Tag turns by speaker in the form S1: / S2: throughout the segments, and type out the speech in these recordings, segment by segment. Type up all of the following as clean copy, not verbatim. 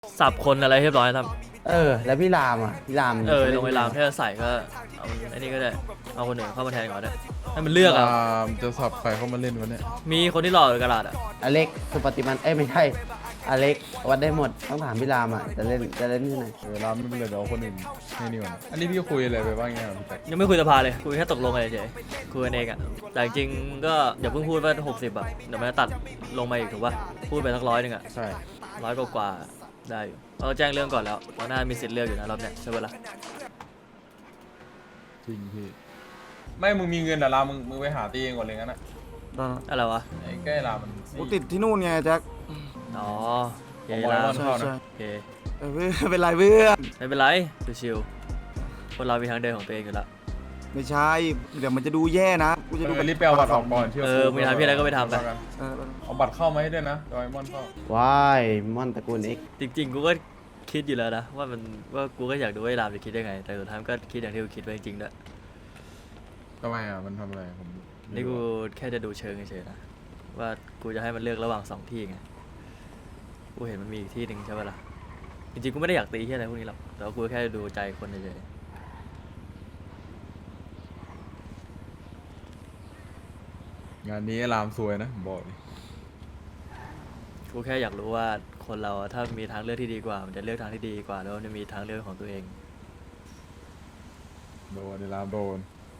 S1: สับคนอะไรเรียบร้อยครับ
S2: แล้วพี่รามพี่ราม
S1: ลงไปรามถ้าจะใส่ก็เอาไอ้นี่ก็ได้เอาคนอื่นเข้ามาแทนก่อนได้ให้มันเลือกอ่ะ
S3: จะสับใครเข้ามาเล่นวะเนี่ย
S1: มีคนที่หล่อหรือกระดาษอ่ะ
S2: อเล็กสุปฏิมันไม่ใช่อเล็กวัดได้หมดต้องถามพี่รามจะเล่นที่ไหน
S3: รามไม่เป็นไรเดี๋ยวเอาคนอื่นให้นี่ก่อนอันนี้พี่คุยอะไรไปบ้างไงพี่แจ็ค
S1: ยังไม่คุยสภาเลยคุยแค่ตกลงเฉยคุยกันเองอ่ะแต่จริงๆก็อย่าเพิ่งพูดว่า60อ่ะเดี๋ยวมันจะตัดลงมาอีกถูกป่ะพูดไปสัก100อ่ะ
S3: ใช่
S1: 100กว่าได้อยู่เราแจ้งเรื่องก่อนแล้วเราน่ามีสิทธิ์เลือกอยู่นะรอบเนี้ยใช่ปะล่ะ
S3: จริงพี่ไม่มึงมีเงินแต่รามมึงไปหาตีเองก่อนเลยงั้นอะ
S1: อะไรวะ
S3: ไอ้แก้รามมัน
S4: กูติดที่นู่นไงแจ็ค
S1: อ๋อเยลา
S4: ใช่
S1: โอเค
S4: ไม่เป็นไรเพื่อน
S1: ไม่เป็นไรชิวๆคนเรามีทางเดินของตัวเองอยู่แล้ว
S4: ไม่ใช่เดี๋ยวมันจะดูแย่นะกูจะดู
S3: รีบไปเอาบัตรออกก่อนเชื่อ
S1: มีทางพี่อะไรก็ไปทำไป
S3: เอาบัตรเข้ามาให้ด้วยนะดอยมอนเข้า
S2: ว้ายมอนตระกูลเอ็ก
S1: จริงๆกูก็คิดอยู่แล้วนะว่ากูก็อยากดูว่าไอ้รามจะคิดได้ไงแต่สุดท้ายก็คิดอย่างที่กูคิดไว้จริงๆด้วย
S3: ทำไมมันทำอะไรผม
S1: นี่กูแค่จะดูเชิงเฉยๆนะว่ากูจะให้มันเลือกระหว่าง2ที่ไงกูเห็นมันมีอีกที่หนึ่งใช่ปะล่ะจริงๆกูไม่ได้อยากตีที่อะไรพวกนี้หรอกแต่ว่ากูแค่ดูใจคนเฉย
S3: งานนี้รามซวยนะผมบอกเลย
S1: กูแค่อยากรู้ว่าคนเราถ้ามีทางเลือกที่ดีกว่ามันจะเลือกทางที่ดีกว่าแล้วมันจะมีทางเลือกของตัวเอง
S3: โดนรามโดน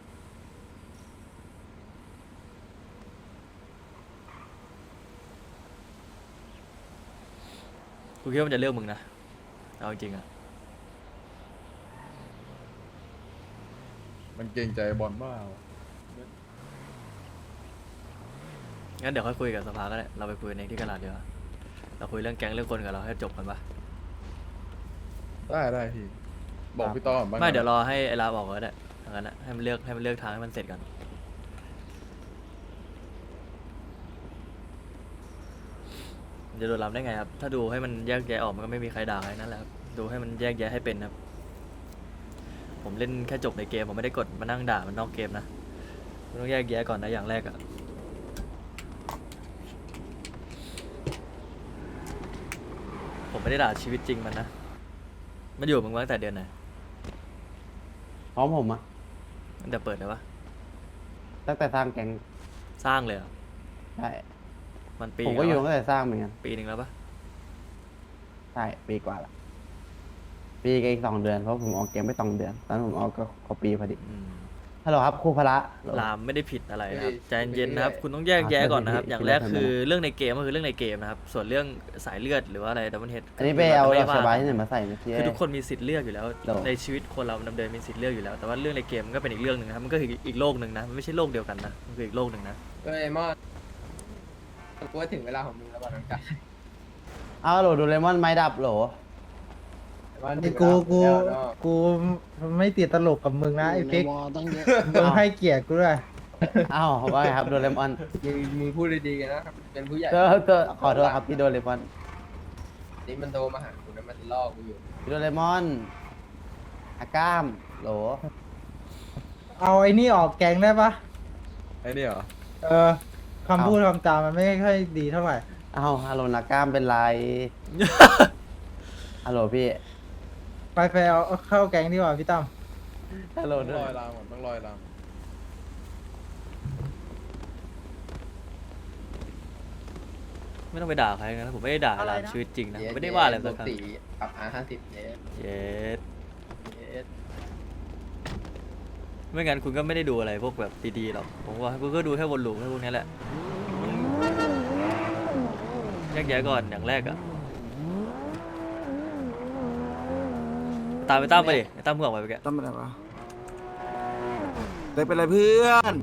S1: กูคิดว่ามันจะเลือกมึงนะเอาจริงๆอะ
S3: มันเกรงใจบอลบ้า
S1: งั้นเดี๋ยวค่อยคุยกับสภาก็ได้เราไปคุยกันเองที่กระดาษเดียวาเราคุยเรื่องแก๊งเรื่องคนกับเราให้จบกันปะ
S3: ได้พี่บอกพี่ต้อม
S1: ไม่เดี๋ยวรอให้ไอ้ลาบอกก็ได้ทางนั้นนะให้มันเลือกทางให้มันเสร็จก่อนจะโดนรับได้ไงครับถ้าดูให้มันแยกแยะออกมันก็ไม่มีใครด่าใครนั่นแหละครับดูให้มันแยกแยะให้เป็นครับผมเล่นแค่จบในเกมผมไม่ได้กดมานั่งด่ามันนอกเกมนะต้องแยกแยะก่อนนะอย่างแรกอะผมไม่ได้ด่าชีวิตจริงมันนะมันอยู่มึงมาตั้งแต่เดือนไหน
S2: พร้อมผม
S1: ตั้งแต่เปิดเลยวะ
S2: ตั้งแต่สร้างแก๊ง
S1: สร้างเลยเหรอ
S2: ใช่
S1: มันปี
S2: ผมก็อยู่ตั้งแต่สร้างเหมือนกัน
S1: ปีหนึ่งแล้วปะ
S2: ใช่ปีกว่าละปีกับอีก2 เดือนเพราะผมออกเกมไม่2 เดือนตอนนั้นผมออกก็ปีพอดีฮัลโหลครับครูพละ
S1: ลามไม่ได้ผิดอะไรนะครับใจเย็นนะครับคุณต้องแยกแยะก่อนนะครับอย่างแรกคือเรื่องในเกมก็คือเรื่องในเกมนะครับส่วนเรื่องสายเลือดหรือว่าอะไรดับเบิลเฮด
S2: อันนี้ไปเอาสบายที่ไหนมาใส่เมื่อกี้
S1: คือทุกคนมีสิทธิ์เลือกอยู่แล้วในชีวิตคนเราดำเนินมีสิทธิ์เลือกอยู่แล้วแต่ว่าเรื่องในเกมมันก็เป็นอีกเรื่องหนึ่งนะครับมันก็คืออีกโลกหนึ่งนะมันไม่ใช่โลกเดียวกันนะมันคืออีกโลกหนึ่งนะ
S5: เฮ้ยมอดกูว่าถึงเวลาของมึงแล้วบ้างน้องชาย
S2: เอาโหลดูเลมอนไม้ดับโหล
S6: กูไม่ติดตลกกับมึงนะไอ้เป๊กมึงให้เกียรติกูด้วย
S2: อ้าวว่าไงครับโดเรมอน
S5: มึงพูดดีๆกันนะเป็นผู้ใหญ่
S2: ก็ขอโทษครับพี่โดเรมอน
S5: นี่มันโทรมาหากูนะมันล่อกูอยู่
S2: พี่โดเรมอนอาก้ามโหล
S6: เอาไอ้นี่ออกแกงได้ปะ
S3: ไอ้นี่เหรอ
S6: คำพูดคำจามันไม่ค่อยดีเท่าไหร่
S2: อ้าวฮัลโหลนาก้ามเป็นไรฮัลโหลพี่
S6: ไปเอาเข้าแกงดีกว่าพี่ตั้ม
S2: ฮัลโหล
S3: ต้องลอยรางก่อนต้องลอยราง
S1: ไม่ต้องไปด่าใครนะผมไม่ได้ด่าลามชีวิตจริงนะไม่ได้ว่าอะไรสักครั้ง
S5: ปรับ50
S1: เยสไม่งั้นคุณก็ไม่ได้ดูอะไรพวกแบบดีๆหรอกผมว่าคุณก็ดูแค่วนลูปแค่พวกนี้แหละแยกแยะก่อนอย่างแรกอะตามไปตั้มไปดิตั้มเมื่อไหร่ไปแก
S6: ตั้มไปไหนวะได้เป็นไรเพื่อน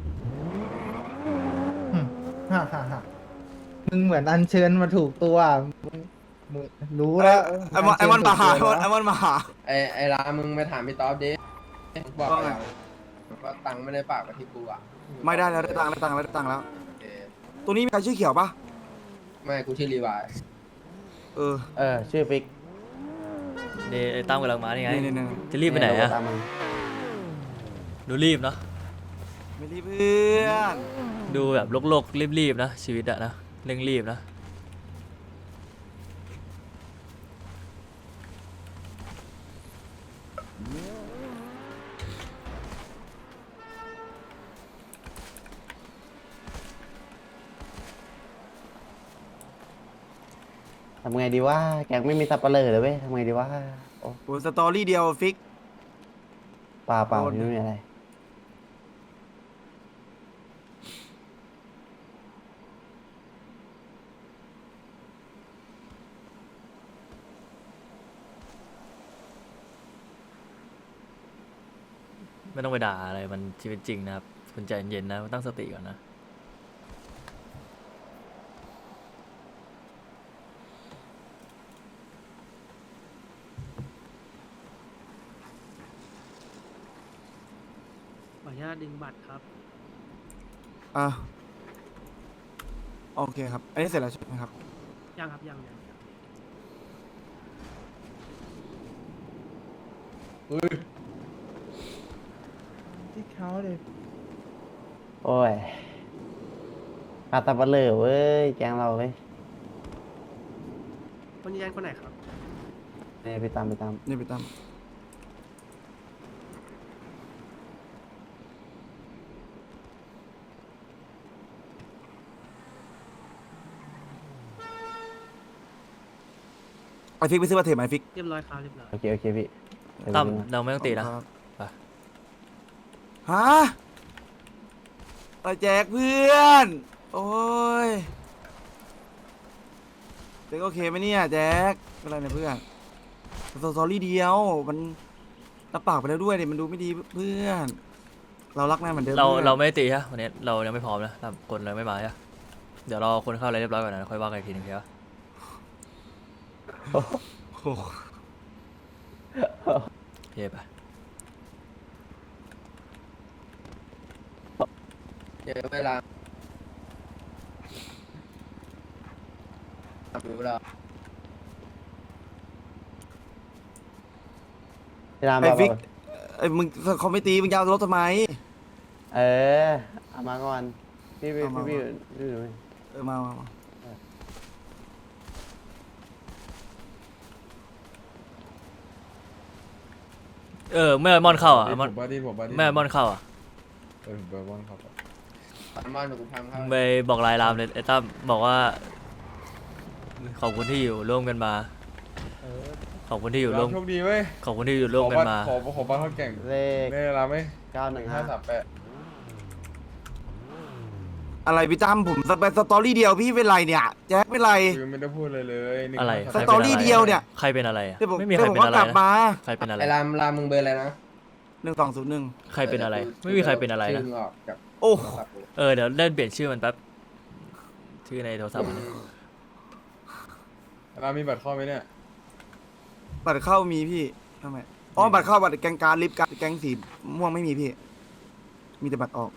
S6: ฮ่ามึงเหมือนอัญเชิญมาถูกตัวมึงรู้แล้ว
S4: ไอ้มอนมาหาไอ้มอนมาหา
S5: ไอ้รามึงไปถามพี่ต๊อบดิบอกเราว่าตังค์ไม่ได้ฝากมาที่กูอ่ะ
S4: ไม่ได้แล้วได้ตังค์แล้วตัวนี้มีใครชื่อเขียวปะ
S5: ไม่กูชื่อรีวาย
S2: ชื่อปิ๊ก
S1: นี่ตั้มกำลังมานี่ไงจะรีบไปไหนอะดูรีบเนาะ
S4: ไม่รีบเพื่อน
S1: ดูแบบโลกรีบๆนะชีวิตอะนะเร่งรีบนะ
S2: ทำไงดีว่าแกงไม่มีสับปะเลอเลยเว้ยทำไงดีว่าโอ้
S4: โอ้สตอรี่เดียวฟิก
S2: เปล่าเปล่า
S4: โดน
S2: ไม่มีอะไร
S1: ไม่ต้องไปด่าอะไรมันชีวิตจริงนะครับคุณใจเย็นๆนะตั้งสติก่อนนะ
S7: ขออนุญาตดึงบัตรครับ
S4: อ่ะโอเคครับ อันนี้เสร็จแล้วใช่ไหมครับ
S7: ยังครับยัง
S6: ที่เขาเลย
S2: โอ้ยขาดสับปะเลอเว้ยแกงเราเว้ย
S7: คนยืนยันคนไหนครับ
S2: เนี่ยไปตามไปตาม
S4: นี่ไปตั้มไอฟิกไปซื้อมาเทปไหมฟิก
S7: เรียบร้อยครับเรียบร้อย
S2: โอเคโอเคพี่เดี๋ยว
S1: ตั้ม
S2: ไปดูนะ
S1: เราไม่ต้องตีนะ
S4: ครับ
S1: ไป
S4: ฮะตาแจกเพื่อน โอ้ยแจ็คโอเคไหมเนี่ยแจ็คเป็นไรเนี่ยเพื่อนสตอรี่เดียว มันรับปากไปแล้วด้วยเนี่ยมันดูไม่ดีเพื่อน เรารักนายเหมือนเดิม
S1: เรา
S4: พื่อน
S1: เราไม่ได้ตีฮะวันนี้เรายังไม่พร้อมนะตั้มคนเราไม่มาฮะเดี๋ยวรอคนเข้าอะไรเรียบร้อยก่อนนะค่อยว่ากันอีกทีหนึงครับ
S4: โอ้โห
S1: เย่ไป
S5: เดี๋ยวเวลาดูเวลา
S2: พี่ราม
S4: ไอ
S2: บอก
S4: ฟิก
S2: ว่า
S4: ไอมึงเขาไม่ตีมึงยาวรถทำไม
S2: เออเอามาก่อนพี่พี่
S4: เอามา
S2: พี่พี่ดูไหม
S4: มา
S1: เมื่อมอนเข้าอ่ะ
S3: ที่
S1: มอน
S3: ผมว่าที่ผมว่าที่
S1: แม่มอนเข้าอ่ะ
S3: ผมไปว่างครับ
S5: ปันมอนหนูกูทำครับ
S1: ไปบอกลายรามเลยไอ้ตั้มบอกว่าขอบคุณที่อยู่ร่วมกันมาขอบคุณที่อยู่ร่วม
S3: โชคดีเว้ย
S1: ขอบคุณที่อยู่ร่วมกันมา
S3: ขอบ้านเขาแก่ง
S2: เลข
S3: ได้เวลาไหม
S2: 915
S3: 538
S4: อะไรพี่ตั้มผมไปสตอรี่เดียวพี่เป็นไรเนี่ยแจ็คเป็นไร
S3: คือไม่ได้พูดเลยเลย1
S1: อะไร
S4: สตอรี่เดียวเนี่ย
S1: ใครเป็นอะไรอะ
S4: เดี๋ยวผม
S1: ไม่มีใค
S4: เดี๋
S1: ร
S4: ยวผม
S1: เป็น
S4: ก็
S1: อะไร
S4: กลับ
S1: นะ
S4: มา
S1: ใครเป็นอะไร
S5: ไอ้รามมึงเบอร์อะไรนะ
S4: 1201
S1: ใครเป็นอะไร ไม่มีใครเป็นอะไร
S5: ชื่
S1: นะ
S5: มึงออกจาก
S4: โอ้
S5: โทรศัพท์กู
S1: เดี๋ยวเล่นเปลี่ยนชื่อมันแป๊บชื่อในโทรศัพท์มัน
S3: เรามีบัตรเข้าไหมเนี่ย
S4: บัตรเข้ามีพี่ทำไมอ๋อบัตรเข้าบัตรแกงการลิฟต์การแกงสีม่วงไม่มีพี่ มีแต่บัตรออก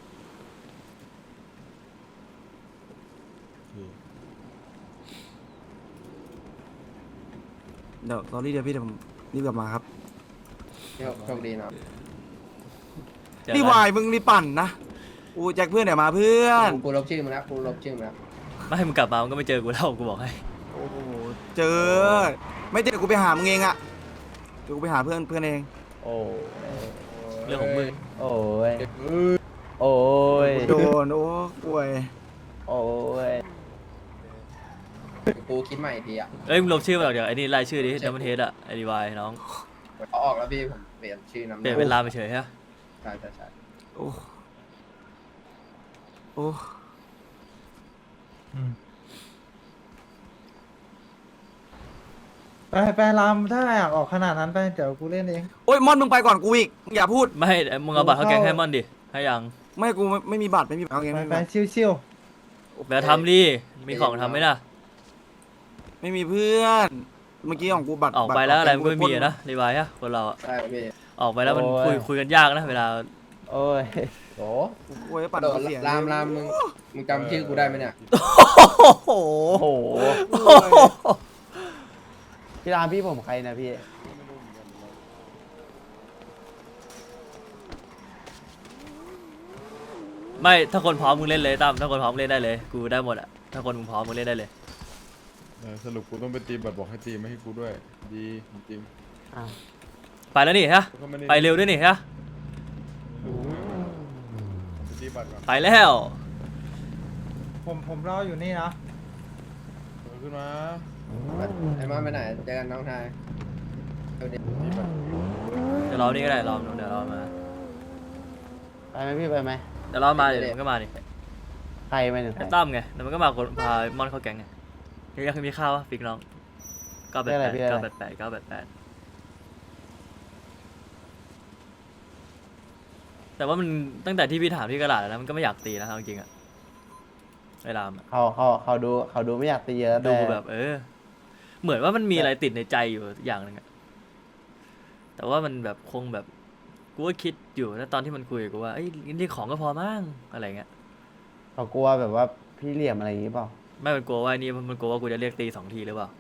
S4: เดี๋ยวสตอรี่เดียวพี่เดี๋ยวผมรีบกลับมาครับ
S5: โชคดีเนาะ
S1: เจอ
S4: นี่
S1: กัน
S4: วายมึงนี่ปั่นนะอูแจ็คเพื่อนเดี๋ยวมาเพื่อน
S5: กูลบชื่อมึงแล้วกูลบชื่อมึงแล้ว
S1: ไม่ให้มึงกลับมามึงก็ไม่เจอกูแล้วกูบอกให้
S4: โอ้โหเจอ ไม่เจอกูไปหามึงเองอะเดี๋ยวกูไปหาเพื่อนเอง
S2: โอ้
S1: เรื่องของมึง
S2: โอ้ยโอ้ย
S4: โดนโอ้ป่วย
S2: โอ้ย
S5: กูคิดใหม่อีกทีอ่ะ
S1: มึงลบชื่อมาจากไอ้นี่รายชื่อดิดัมเบิลเฮดอะไอดีวายน้อง
S5: เอาออกแล้วพี่ผมเปลี่ยนชื่อนาม
S1: เปลี่ยนเป็นรามไปเฉยฮะ
S5: ใช่
S4: โอ้โอ้
S6: ไปรามถ้าอยากออกขนาดนั้นไปเดี๋ยวกูเล่นเอง
S4: โอ้ยมอนมึงไปก่อนกูอีกมึงอย่าพูด
S1: ไม่มึงเอาบัตรเข้าแกงให้มอนดิให้ยัง
S4: ไม่กูไม่มีบัตรไม่มีบัตรเอาเอง
S6: ไป
S4: ไม่มี
S6: ไป
S4: บัตร
S6: ชิว
S1: เดี๋ยวทำดิมีของทำไหมล่ะ
S4: ไม่มีเพื่อน เมื่อกี้ของกูบัตร
S1: ออกไปแล้วอะไรมันก็ไม่มีอะนะดีวายฮะคนเราอะ
S5: ใช่พี่
S1: ออกไปแล้วมันคุยกันยากนะเวลา
S2: โอ้ย
S3: โอ้
S4: โอ้ยปั่น
S5: โดน
S4: เสีย
S5: รามมึงจำชื่อกูได้ไหมเนี่ย
S1: โอ้โห
S2: โอ้โหพี่รามพี่ผมใครนะพี่
S1: ไม่ถ้าคนพร้อมมึงเล่นเลยตั้มถ้าคนพร้อมเล่นได้เลยกูได้หมดอะถ้าคนมึงพร้อมมึงเล่นได้เลย
S3: สรุปกูต้องไปตีบัตรบอกให้ตีไม่ให้กูด้วย ดีจริง
S2: อ้าว
S1: ไปแล้วนี่ฮะ
S3: ๆก็ม่ด้
S1: ไปเร็วด้วยนี่ฮะ
S3: ไปตีบัตรก่อน
S1: ไปแล้ว
S6: ๆผมรออยู่นี่นะ
S3: ขึ้นมา
S5: ไอ้มอนไปไหนเจอกันน้องชายเดี๋ยวดิ
S3: ตีบัตร
S1: เดี๋ยวรอนี่ก็ได้รอเดี๋ยวรอมา
S2: ไปไหมพี่ไปไหม
S1: เดี๋ยวรอมาเดี๋ยวมันก็มาดิ
S2: ใครไปถึงใคร
S1: ไอ้ตั้มไงเดี๋ยวมันก็มาคนพามอนเข้าแก๊งไงนี่ยังมีข้าววะฟิกน้อง988แต่ว่ามันตั้งแต่ที่พี่ถามที่กระดาษแล้วนะมันก็ไม่อยากตีนะเอาจริงๆอะไอ้รามอะ
S2: เขาดูไม่อยากตีเยอะ
S1: ดู
S2: แต่
S1: แบบเหมือนว่ามันมีอะไรติดในใจอยู่อย่างหนึ่งอะแต่ว่ามันแบบคงแบบกูก็คิดอยู่นะตอนที่มันคุยกับกูว่าไอ้ยนี่ของก็พอมั้งอะไรเงี้ย
S2: เขากลัวแบบว่าพี่เหลี่ยมอะไรอย่างงี้เปล่า
S1: ไม่มันกลัวว่าไอ้นี่มันกลัวว่ากูจะเรียกตี2 ทีหรือเปล่า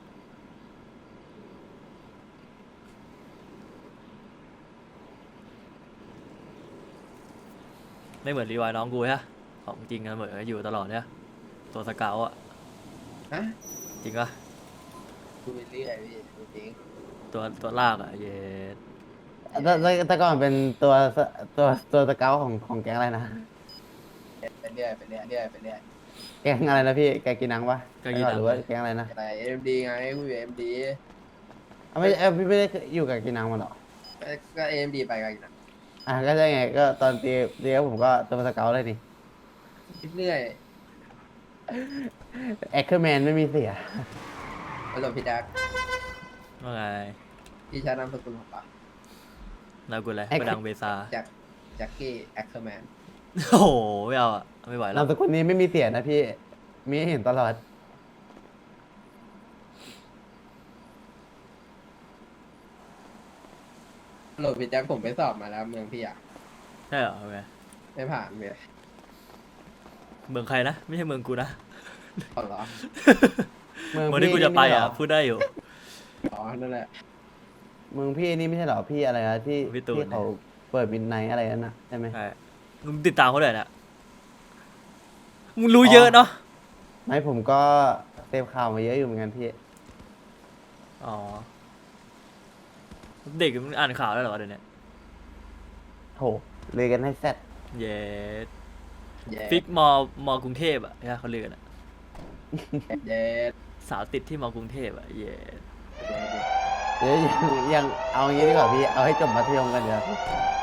S1: ไม่เหมือนรีวายน้องกูฮะของจริงกันเหมือนอยู่ตลอดเนี่ยตัวสเกาต์อะ
S5: ฮะ
S1: จริงปะ
S5: ดูไปเรื่อยพี่จริง
S1: ตัวลากอะเย็ด
S2: แต่ก่อนเป็นตัวสเกลของแก๊งอะไรนะ
S5: ไปเรื่อยไปเรื่อยเรื่อยไปเรื่อย
S2: แก๊งอะไรนะพี่แกงกินนังปะ
S1: ก็ยิน
S2: หรือว่าแก๊งอะไรนะ
S5: อะไรเอ็มดีไงกูอยู่เอ็มดี
S2: ไม่พี่ไม่ได้อยู่กับกินนังมาหรอ
S5: ก็เอ็มดีไปกันนะ
S2: ก็ใช่ไงก็ตอนตีกับผมก็ตัวสเกลเลยนี่
S5: เรื่อย
S2: แอคเคอร์แมนไม่มีเสีย
S5: ผสมพี่แจ็ค
S1: ว่าไง
S5: พี่ชายนามสกุลของปะ
S1: นากูอะไร
S2: ไอ้
S1: ประดังเบซา
S5: แจ็คกี้แอคเคอร์แมน
S1: โอ้โหไม่เอาอะไม่ไหวแล้
S2: นาว มสกุลนี้ไม่มีเสียนะพี่ มีให้เห็นตลอด
S5: โหลดพี่แจ็คผมไปสอบมาแล้วเมืองพี่อ่ะ
S1: ใช่เหรอโอเค
S5: ไม่ผ่านเลย
S1: เมืองใครนะไม่ใช่เมืองกูนะ
S5: ขอเหรอ
S1: เมืองที่กูจะไปอะพูดได้อยู่
S5: อ๋อนั่นแหละ
S2: เมืองพี่นี่ไม่ใช่เหรอพี่อะไรนะที่
S1: พี่ตูน
S2: ที่เขาเปิดมินไนท์อะไรนั่นนะใช่ไหม
S1: ใช่มึงติดตามเขาด้วยนะมึงรู้เยอะเนาะ
S2: ไม่ผมก็เซฟข่าวมาเยอะอยู่เหมือนกันพี่
S1: อ๋อเด็กมันอ่านข่าวได้เหรอวะเดี๋ยวนี้
S2: โถเลยกันให้แซด
S1: เย็ด
S5: เย้
S1: ฟิกมกรุงเทพอะใช่ไหมเขาเรียกกันอะ
S5: เย้
S1: สาวติดที่มกรุงเทพอะเย็ด
S2: เดี๋ยวยังเอางี้ดีกว่าพี่ เอาให้จบมัธยมกันเดี๋ยว